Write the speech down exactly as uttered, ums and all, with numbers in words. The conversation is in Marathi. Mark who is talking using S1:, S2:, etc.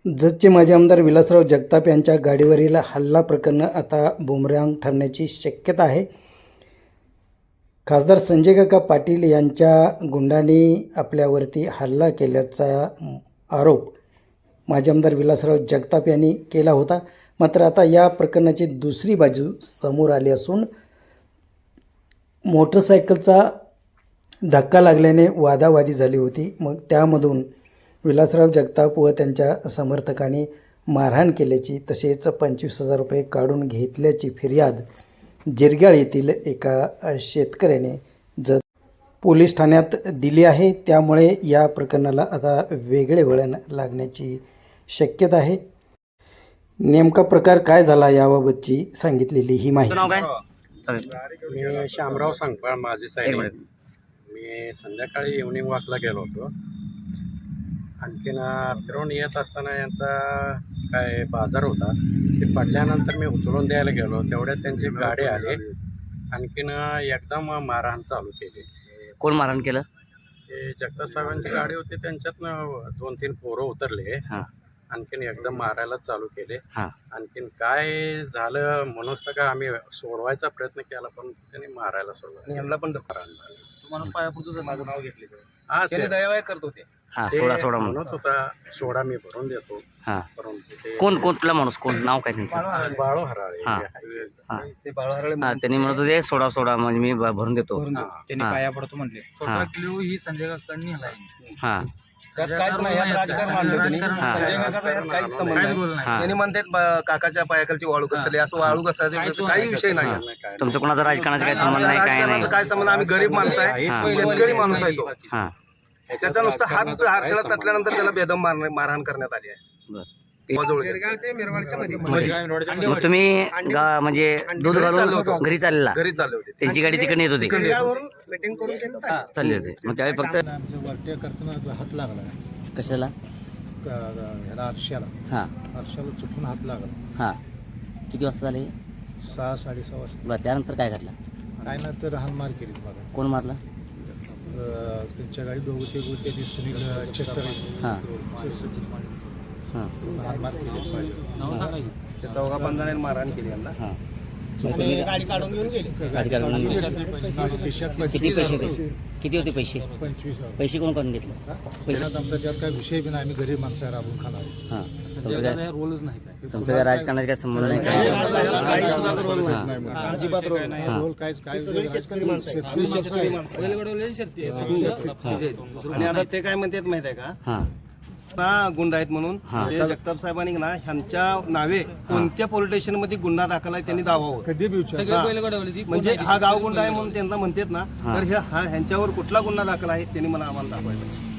S1: जतचे माजी आमदार विलासराव जगताप यांच्या गाडीवरील हल्ला प्रकरण आता बुमरॅंग ठरण्याची शक्यता आहे. खासदार संजय काका पाटील यांच्या गुंडांनी आपल्यावरती हल्ला केल्याचा आरोप माजी आमदार विलासराव जगताप यांनी केला होता. मात्र आता या प्रकरणाची दुसरी बाजू समोर आली असून मोटरसायकलचा धक्का लागल्याने वादावादी झाली होती. मग त्यामधून विलासराव जगताप व त्यांच्या समर्थकांनी मारहाण केल्याची तसेच पंचवीस हजार रुपये काढून घेतल्याची फिर्याद जिरग्याळ येथील एका शेतकऱ्याने जत पोलीस ठाण्यात दिली आहे. त्यामुळे या प्रकरणाला आता वेगळे वळण लागण्याची शक्यता आहे. नेमका प्रकार काय झाला याबाबतची सांगितलेली ही माहिती.
S2: मी शामराव सांगपाळ माझी साहेब. मी संध्याकाळी इव्हनिंग वॉकला गेलो होतो. आणखीन फिरून येत असताना यांचा काय बाजार होता ते पडल्यानंतर मी उचलून द्यायला गेलो. तेवढ्यात त्यांची गाडी आली. आणखीन एकदम मारहाण चालू केली.
S3: कोण मारहाण केलं?
S2: ते जगताप साहेबांची गाडी होती, त्यांच्यातनं दोन तीन पोरं उतरले. आणखीन एकदम मारायला चालू केले. आणखीन काय झालं म्हणूनच तर का आम्ही सोडवायचा प्रयत्न केला, पण त्यांनी मारायला सोडला. यांना पण
S4: माणूस पायापुरतं माझं नाव घेतले
S2: हा ते
S4: दयावाय करत होते.
S3: हा सोडा सोडा म्हणून
S2: म्हणत होता सोडा मी भरून देतो.
S3: हा
S2: परंतु ते
S3: कोण कोणला माणूस कोण नाव काय त्यांचं?
S2: बाळू हराळे.
S3: हा. हा
S4: ते बाळहरळे
S3: हा त्यांनी म्हणत होते सोडा सोडा म्हणजे मी भ- भरून देतो.
S4: त्यांनी
S3: हा.
S4: पाया पडतो म्हणले.
S3: हा.
S5: क्ल्यू ही संजय काकांनी
S3: हा
S4: यात काहीच नाही, यात राजकारण मांडलं त्यांनी.
S3: हा.
S4: संजय काकाचा यात काहीच संबंध नाही.
S3: हा.
S4: त्यांनी म्हणतात ब- काकाच्या पायाखालची वाळू घसरली, असं वाळू घसरायचं काही विषय नाही.
S3: तुमचं कोणाचा राजकारणाचा काही संबंध नाही, काय नाही.
S4: राजकारणाचा काय संबंध? आम्ही गरीब माणसं आहे, शेतकरी माणूस आहे तो.
S3: हा
S4: त्याचा नुसता हात हारशाला तटल्यानंतर त्याला बेदम मार- मारहाण करण्यात आली आहे.
S3: बर.
S4: बजवळ.
S3: मग तुम्ही गा- म्हणजे दूध घालून घरी चाललेला,
S4: घरी चालले होते.
S3: त्यांची गाडी तिकडे येत होती,
S4: मीटिंग करून त्यांनी चालले.
S3: चालले होते. मग त्यावेळी फक्त
S6: वरट्या करताना हात लागला
S3: कशाला?
S6: क- ह्याला आरशाला
S3: हा
S6: आरशाला चुकून हात लागला.
S3: हा किती वाजता झाले?
S6: सहा साडेसहा वाजता
S3: बरं, त्यानंतर काय घडलं?
S6: काय ना तर हानमार केली बघा.
S3: कोण मारलं?
S6: अं, त्यांच्या गाडी दोघं ते त्यांनी सुनील छत्र
S3: हा हा
S6: हानमार केली.
S4: त्या चौघा पंधराने मारहाण केली यांना.
S3: हा मग तुम्ही
S4: गाडी काढून घेऊन गेले.
S3: गाडी काढून आणली.
S6: खिशात
S3: किती
S6: पंचवीस
S3: पैसे
S6: हजार
S3: होते? किती होते पैसे?
S6: पंचवीस हजार.
S3: पैसे कोण काढून घेतले? पैसे
S6: त्याच्यात आमचा त्यात काय विषय बी नाही. आम्ही गरीब माणसं आहे, राबून खाणार.
S3: हा तुमचं काय
S5: रोलच नाही काय.
S3: तुमचं काय राजकारणाचा काय संबंध नाही, काय नाही. हा.
S4: अजिबात रोल नाही.
S6: रोल काहीच काय
S4: शेतकरी माणसं आहेत. आम्ही शेतकरी माणसं आहे.
S5: बैलगाडीवाल्याची शर्ती आहे.
S4: आणि आता ते काय म्हणतात माहित आहे का?
S3: हा
S4: ना गुंड आहेत म्हणून
S3: हा.
S4: ते जगताप साहेबांनी ना ह्यांच्या नावे कोणत्या पोलीस स्टेशन मध्ये गुन्हा दाखल आहे त्यांनी दावावं.
S6: कधी बी विचार
S5: सगळे बैलगाडीवाले ती
S4: म्हणजे हा गाव गुंड आहे म्हणून त्यांना म्हणतात ना, तर हे हा ह्यांच्यावर कुठला गुन्हा दाखल आहे त्यांनी मला आम्हाला दाखवायला.